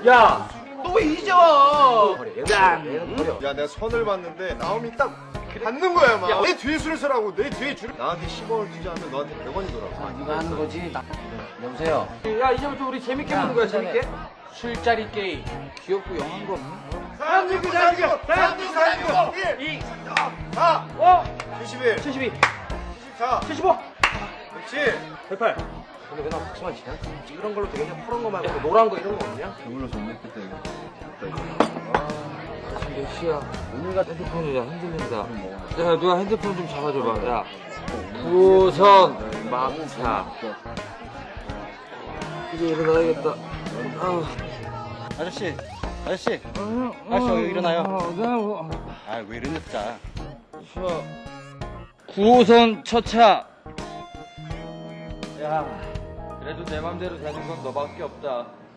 야, 너 왜 이제 와? 야, 내가 선을 봤는데 나오미 딱 받는 거야 막. 야, 내 뒤에 줄을 서라고. 내 뒤에 줄을. 나한테 10원을 투자하면 너한테 100원이더라고. 네가 하는 거지. 여보세요. 야, 이제부터 우리 재밌게 보는 거야, 재밌게. 술자리 게임. 귀엽고 영한 거 없니? 369, 1, 4, 71, 72, 74, 75, 그렇지. 108. 근데 왜 나 박수만 치냐? 이런 걸로 되겠냐? 파란 거 말고 노란 거 이런 거 없냐? 저걸로 좀 먹겠다 이거. 지금 몇 시야? 오늘가 핸드폰이 흔들린다. 야, 누가 핸드폰 좀 잡아줘봐. 야. 우선 막차. 이제 일어나야겠다. 아저씨 여기 일어나요. 아 왜 이러냐 진짜. 9호선 첫차. 야, 그래도 내 맘대로 되는 건 너밖에 없다.